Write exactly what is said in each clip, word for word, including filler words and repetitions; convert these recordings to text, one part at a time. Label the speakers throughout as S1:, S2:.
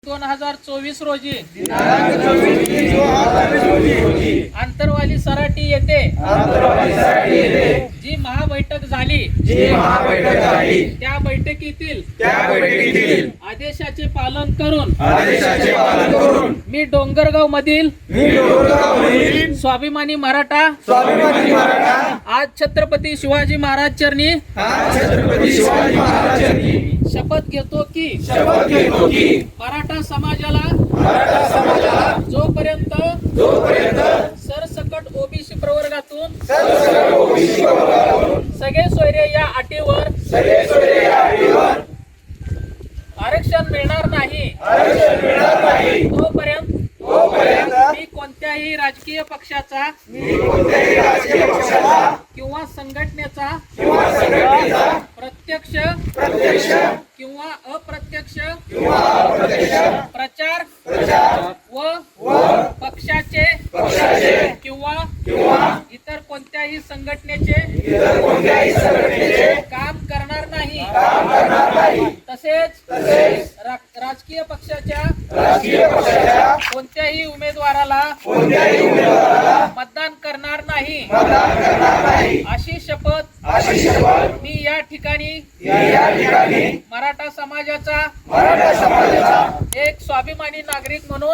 S1: दोन हजार चोवीस रोजी आंतरवाली सराटी येथे जी महाबैठक झाली त्या बैठकीतील आदेशाचे पालन करून मी डोंगरगाव मधील स्वाभिमानी मराठा आज छत्रपती शिवाजी महाराज चरणी शपथ घेतो की मराठा समाजाला जोपर्यंत सरसकट ओबीसी प्रवर्गातून सगळे सोयरे या अटीवर आरक्षण मिळणार नाही तोपर्यंत मी कोणत्याही राजकीय पक्षाचा किंवा संघटनेचा प्रत्यक्ष किंवा अप्रत्यक्ष प्रचार व पक्षाचे किंवा इतर कोणत्याही संघटनेचे काम करणार नाही तसेच राजकीय पक्षाच्या कोणत्याही उमेदवाराला मतदान करणार नाही अशी शपथ मी या ठिकाणी मराठा समाजाचा एक स्वाभिमानी नागरिक म्हणून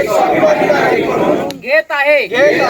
S1: घेत आहे।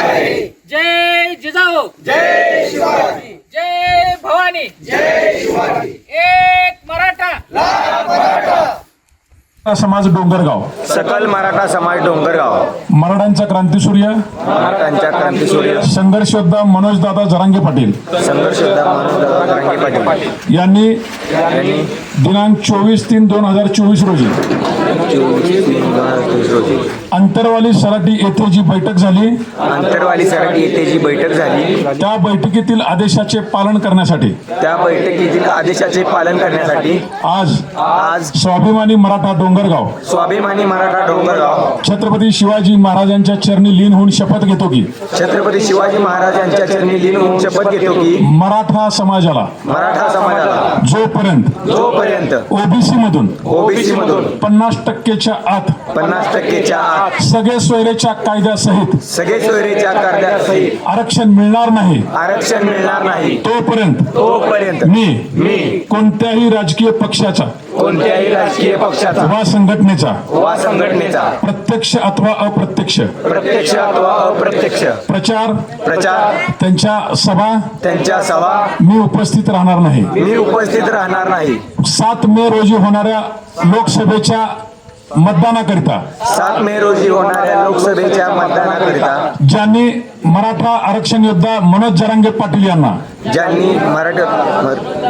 S1: जय जिजाऊ, जय शिवाजी, जय भवानी, जय शिवाजी, एक मराठा, लाख मराठा।
S2: समाज डोंगरगाव,
S3: सकल मराठा समाज डोंगरगाव,
S2: मराठ्यांचा क्रांतीसूर्य
S3: मराठ्यांच्या क्रांतीसूर्य
S2: संघर्ष योद्धा मनोजदादा जरांगे पाटील
S3: संघर्ष योद्धा मनोजदादा जरांगे पाटील
S2: यांनी
S3: यांनी
S2: दिनांक चोवीस तीन दोन हजार चोवीस रोजी
S3: चोवीस तीन दोन हजार चोवीस रोजी
S2: अंतरवाली सराटी येथे जी बैठक झाली
S3: अंतरवाली सराटी येथे जी बैठक झाली
S2: त्या बैठकीतील आदेशाचे पालन करण्यासाठी
S3: त्या बैठकीतील आदेशाचे पालन करण्यासाठी
S2: आज
S3: आज
S2: स्वाभिमानी मराठा डोंगरगाव
S3: स्वाभिमानी मराठा डोंगरगाव
S2: छत्रपती शिवाजी महाराजांच्या चरणी लीन होऊन शपथ घेतो की
S3: छत्रपती शिवाजी महाराजांच्या चरणी लीन होऊन शपथ घेतो की
S2: मराठा समाजाला
S3: मराठा समाजाला
S2: जोपर्यंत
S3: जोपर्यंत
S2: ओबीसी मधून
S3: ओबीसी मधून
S2: पन्नास टक्केच्या आत
S3: पन्नास टक्केच्या आत
S2: सगळे सोयरेच्या कायद्यासहित
S3: सगळे सोयरीच्या कायद्यासहित
S2: आरक्षण मिळणार नाही
S3: आरक्षण मिळणार नाही
S2: तोपर्यंत
S3: तोपर्यंत
S2: मी
S3: मी
S2: कोणत्याही राजकीय पक्षाचा
S3: कोणत्याही राजकीय पक्षाचा
S2: वा संघटनेचा
S3: वा संघटनेचा
S2: प्रत्यक्ष अथवा अप्रत्यक्ष
S3: प्रत्यक्ष अथवा अप्रत्यक्ष
S2: प्रचार
S3: प्रचार
S2: त्यांच्या सभा
S3: त्यांच्या सभा
S2: मी उपस्थित राहणार नाही।
S3: मी उपस्थित राहणार नाही।
S2: सात मे रोजी होणाऱ्या लोकसभेच्या मतदानाकरिता
S3: सात मे रोजी होणाऱ्या लोकसभेच्या मतदानाकरिता
S2: ज्यांनी मराठा आरक्षण योद्धा मनोज जरांगे पाटील यांना
S3: ज्यांनी मराठा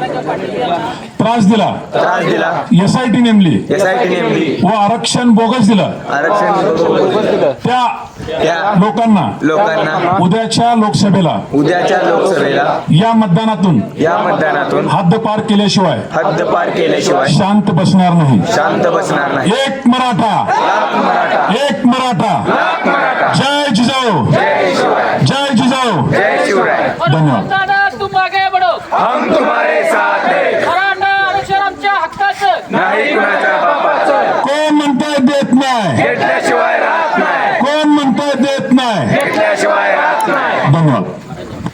S2: त्रास दिला
S3: त्रास दिला
S2: एस आय टी नेमली
S3: एस आय टी नेमली
S2: व आरक्षण बोगस दिलं
S3: आरक्षण
S2: त्या
S3: त्या
S2: लोकांना
S3: लोकांना
S2: उद्याच्या लोकसभेला
S3: उद्याच्या लोकसभेला
S2: या मतदानातून
S3: या मतदानातून
S2: हद्दपार केल्याशिवाय
S3: हद्दपार केल्याशिवाय
S2: शांत बसणार नाही।
S3: शांत बसणार नाही।
S2: एक मराठा,
S3: लाख मराठा,
S2: एक मराठा,
S3: लाख मराठा।
S2: जय जिजाऊ,
S3: जय शिवराय,
S2: जय जिजाऊ,
S3: जय शिवराय।
S2: धन्यवाद।
S1: तुम आगे बढ़ो,
S3: हम तुम्हारे